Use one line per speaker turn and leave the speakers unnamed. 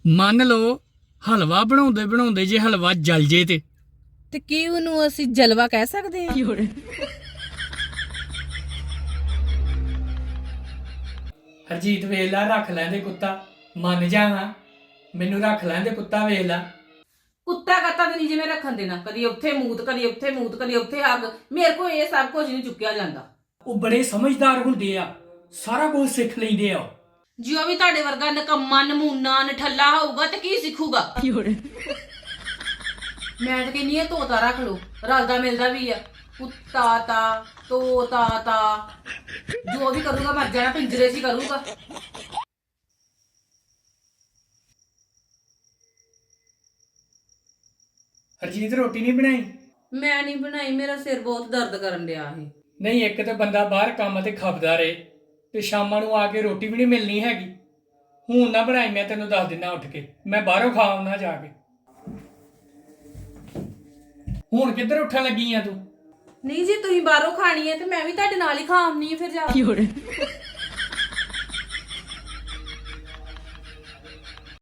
ਮੰਨ ਲਓ ਹਲਵਾ ਬਣਾਉਂਦੇ ਬਣਾਉਂਦੇ ਜੇ ਹਲਵਾ ਜਲ ਜੇ ਤੇ
ਕੀ ਉਹਨੂੰ ਅਸੀਂ ਜਲਵਾ ਕਹਿ ਸਕਦੇ ਹਾਂ?
ਹਰਜੀਤ ਵੇਖ ਲਾ ਰੱਖ ਲੈਂਦੇ ਕੁੱਤਾ ਮੰਨ ਜਾਣਾ ਮੈਨੂੰ ਰੱਖ ਲੈਂਦੇ ਕੁੱਤਾ ਵੇਖ ਲਾ।
ਕੁੱਤਾ ਕਾਤਾ ਤੇ ਨਹੀਂ ਜਿਵੇਂ ਰੱਖਣ ਦੇਣਾ, ਕਦੀ ਉੱਥੇ ਮੂਤ ਕਦੀ ਉੱਥੇ ਮੂਤ ਕਦੀ ਉੱਥੇ ਅੱਗ। ਮੇਰੇ ਕੋਲ ਇਹ ਸਭ ਕੁਝ ਨਹੀਂ ਚੁੱਕਿਆ ਜਾਂਦਾ।
ਉਹ ਬੜੇ ਸਮਝਦਾਰ ਹੁੰਦੇ ਆ, ਸਾਰਾ ਕੁਝ ਸਿੱਖ ਲੈਂਦੇ ਆ।
ਜੇ ਉਹ ਵੀ ਤੁਹਾਡੇ ਵਰਗਾ ਨਕੰਮਾ ਨਮੂਨਾ ਨਠੱਲਾ ਹੋਊਗਾ ਤੇ ਕੀ ਸਿੱਖੂਗਾ? ਮੈਂ ਤਾਂ ਕਹਿੰਦੀ ਆ ਤੋਤਾ ਰੱਖ ਲਓ, ਰਲਦਾ ਮਿਲਦਾ ਵੀ ਆ। ਕੁੱਤਾ ਤਾ ਤੋਤਾ ਤਾ ਜੋ ਵੀ ਕਰੂਗਾ ਮਰ ਜਾਣਾ, ਪਿੰਜਰੇ 'ਚ ਹੀ ਕਰੂਗਾ।
ਹਰਜੀਤ ਰੋਟੀ ਨਹੀਂ ਬਣਾਈ?
ਮੈਂ ਨਹੀਂ ਬਣਾਈ, ਮੇਰਾ ਸਿਰ ਬਹੁਤ ਦਰਦ ਕਰਨ ਡਿਆ ਸੀ।
ਨਹੀਂ, ਇੱਕ ਤਾਂ ਬੰਦਾ ਬਾਹਰ ਕੰਮ ਤੇ ਖਪਦਾ ਰਹੇ ਤੇ ਸ਼ਾਮਾਂ ਨੂੰ ਆ ਕੇ ਰੋਟੀ ਵੀ ਨਹੀਂ ਮਿਲਣੀ ਹੈਗੀ। ਹੁਣ ਨਾ ਬਣਾਈ, ਮੈਂ ਤੈਨੂੰ ਦੱਸ ਦਿੰਦਾ ਉੱਠ ਕੇ, ਮੈਂ ਬਾਹਰੋਂ ਖਾ ਆਉਣਾ ਜਾ ਕੇ। ਹੁਣ ਕਿੱਧਰ ਉੱਠਣ ਲੱਗੀ ਆ ਤੂੰ?
ਨਹੀਂ ਜੀ, ਤੁਸੀਂ ਬਾਹਰੋਂ ਖਾਣੀ ਹੈ ਤੇ ਮੈਂ ਵੀ ਤੁਹਾਡੇ ਨਾਲ ਹੀ ਖਾ ਆਉਣੀ ਹੈ ਫਿਰ ਜਾ ਕੇ।